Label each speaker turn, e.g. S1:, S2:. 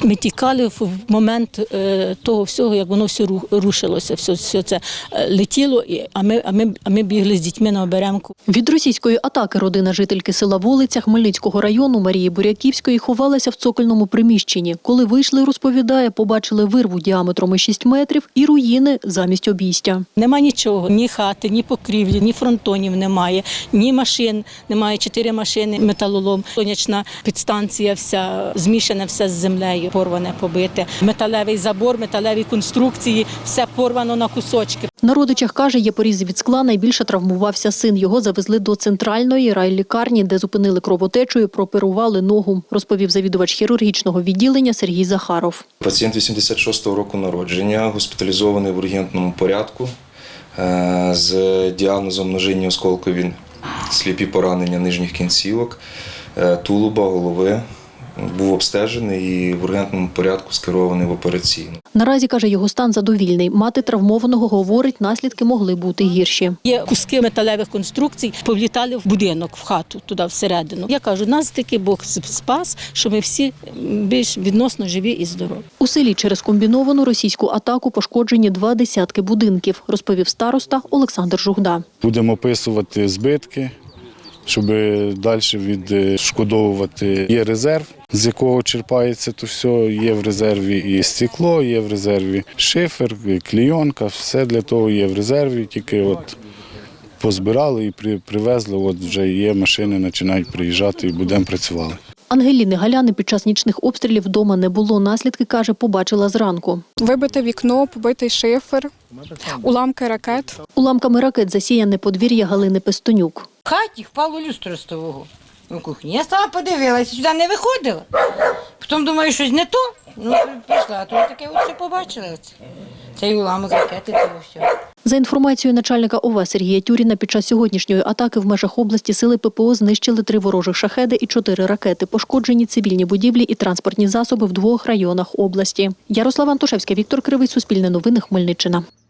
S1: Ми тікали в момент того всього, як воно все рушилося, все це летіло, а ми бігли з дітьми на оберемку.
S2: Від російської атаки родина жительки села Волиця Хмельницького району Марії Буряківської ховалася в цокольному приміщенні. Коли вийшли, розповідає, побачили вирву діаметром 6 метрів і руїни замість обійстя.
S1: Нема нічого, ні хати, ні покрівлі, ні фронтонів немає, ні машин, немає 4 машини, металолом, сонячна підстанція вся, змішана все з землею, порване, побите. Металевий забор, металеві конструкції, все порвано на кусочки.
S2: На родичах, каже, є порізи від скла, найбільше травмувався син. Його завезли до центральної райлікарні, де зупинили кровотечу і прооперували ногу, розповів завідувач хірургічного відділення Сергій Захаров.
S3: Пацієнт 86-го року народження, госпіталізований в ургентному порядку з діагнозом ножинні осколкові сліпі поранення нижніх кінцівок, тулуба, голови. Був обстежений і в ургентному порядку скерований в операційну.
S2: Наразі, каже, його стан задовільний. Мати травмованого говорить, наслідки могли бути гірші.
S1: Є куски металевих конструкцій, повлітали в будинок, в хату, туди всередину. Я кажу, нас таки Бог спас, що ми всі більш відносно живі і здорові.
S2: У селі через комбіновану російську атаку пошкоджені 20 будинків, розповів староста Олександр Жугда.
S4: Будемо описувати збитки, щоб далі відшкодовувати. Є резерв, з якого черпається то все. Є в резерві і стекло, є в резерві шифер, клейонка, все для того є в резерві. Тільки позбирали і привезли, вже є машини, починають приїжджати і будемо працювати.
S2: Ангеліни Галяни під час нічних обстрілів вдома не було. Наслідки, каже, побачила зранку.
S5: Вибите вікно, побитий шифер, уламки ракет.
S2: Уламками ракет засіяне подвір'я Галини Пестонюк.
S6: В хаті впало люстро з того у кухні. Я стала подивилася, сюди не виходила. Потім думаю, щось не то. Прийшла, а то таке оце побачила. Цей уламок ракети, це все.
S2: За інформацією начальника ОВА Сергія Тюріна, під час сьогоднішньої атаки в межах області сили ППО знищили 3 ворожих шахеди і 4 ракети. Пошкоджені цивільні будівлі і транспортні засоби в 2 районах області. Ярослава Антошевська, Віктор Кривий, Суспільне новини, Хмельниччина.